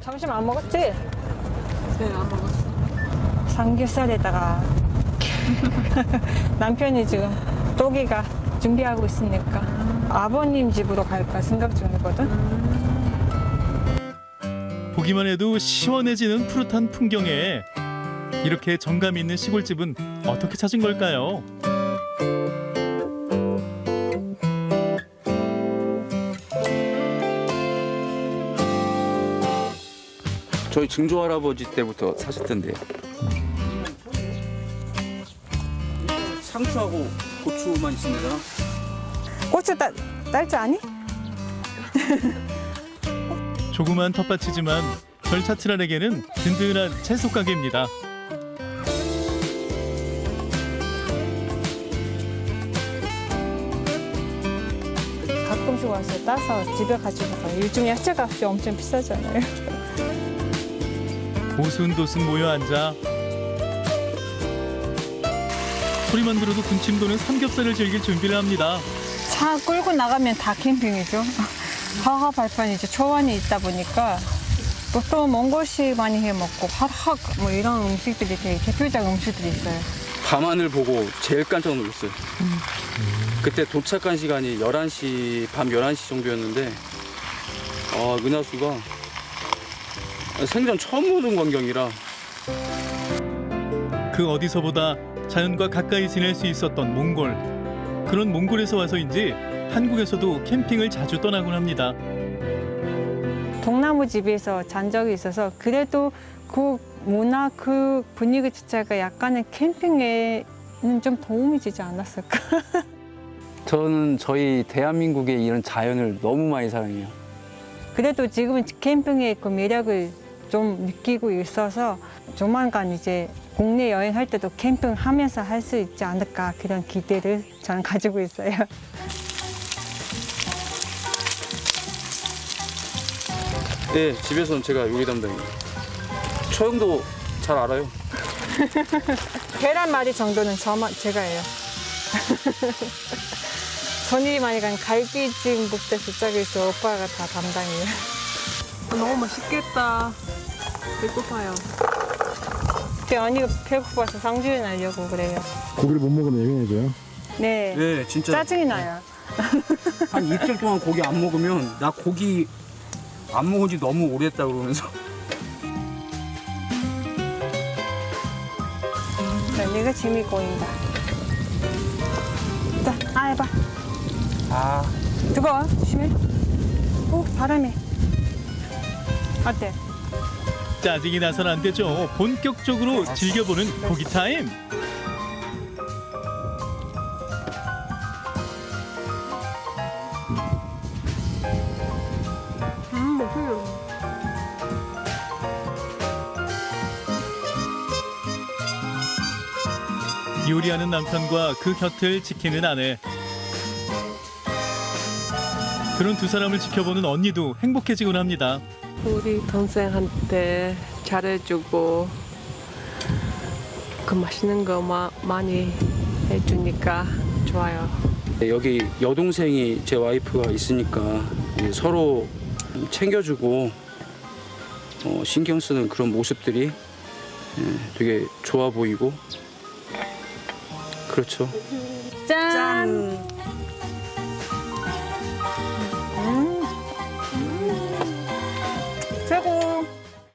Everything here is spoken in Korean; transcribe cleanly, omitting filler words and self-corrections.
점심 안 먹었지? 네, 안 먹었어. 삼겹살에다가 남편이 지금 또기가 준비하고 있으니까 아버님 집으로 갈까 생각 중이거든. 보기만 해도 시원해지는 푸릇한 풍경에 이렇게 정감 있는 시골집은 어떻게 찾은 걸까요? 저희 증조 할아버지 때부터 사셨던데요. 상추하고 고추만 있으면 되잖아. 고추 딸 줄 아니? 조그만 텃밭이지만 절차트란에게는 든든한 채소 가게입니다. 가끔씩 와서 따서 집에 가지고 가요. 요즘 야채값이 엄청 비싸잖아요. 오순도순 모여 앉아 소리만 들어도 군침 도는 삼겹살을 즐길 준비를 합니다. 차 끌고 나가면 다 캠핑이죠. 하하 발판 이제 초원이 있다 보니까 또 먼 곳이 많이 해 먹고 화학 뭐 이런 음식들이 되게 대표적 음식들이 있어요. 밤하늘 보고 제일 깜짝 놀랐어요. 그때 도착한 시간이 11시, 밤 11시 정도였는데 은하수가 생전 처음 보는 광경이라 그 어디서보다 자연과 가까이 지낼 수 있었던 몽골. 그런 몽골에서 와서인지 한국에서도 캠핑을 자주 떠나곤 합니다. 동나무 집에서 잔 적이 있어서 그래도 그 문화 그 분위기 자체가 약간의 캠핑에는 좀 도움이 되지 않았을까. 저는 저희 대한민국의 이런 자연을 너무 많이 사랑해요. 그래도 지금은 캠핑의 그 매력을 좀 느끼고 있어서 조만간 이제 국내 여행할 때도 캠핑하면서 할 수 있지 않을까 그런 기대를 저는 가지고 있어요. 네, 집에서는 제가 요리 담당이에요. 처형도 잘 알아요. 계란말이 정도는 제가 해요. 손이 많이 간 갈비찜부터 시작해서 오빠가 다 담당이에요. 너무 맛있겠다. 배고파요. 언니가 배고파서 상주에 나려고 그래요. 고기를 못 먹으면 예민해져요? 네, 네, 진짜 짜증이 나요. 한 이틀 동안 고기 안 먹으면 나 고기 안 먹은 지 너무 오래됐다 그러면서 언니가 짐이 꼬인다. 자, 해봐. 뜨거워, 조심해. 오, 바람이. 어때? 짜증이 나선 안 되죠. 본격적으로 즐겨보는 고기 타임. 맛있어. 요리하는 남편과 그 곁을 지키는 아내. 그런 두 사람을 지켜보는 언니도 행복해지곤 합니다. 우리 동생한테 잘해주고 그 맛있는 거 많이 해주니까 좋아요. 여기 여동생이 제 와이프가 있으니까 서로 챙겨주고 신경 쓰는 그런 모습들이 되게 좋아 보이고 그렇죠. 짠!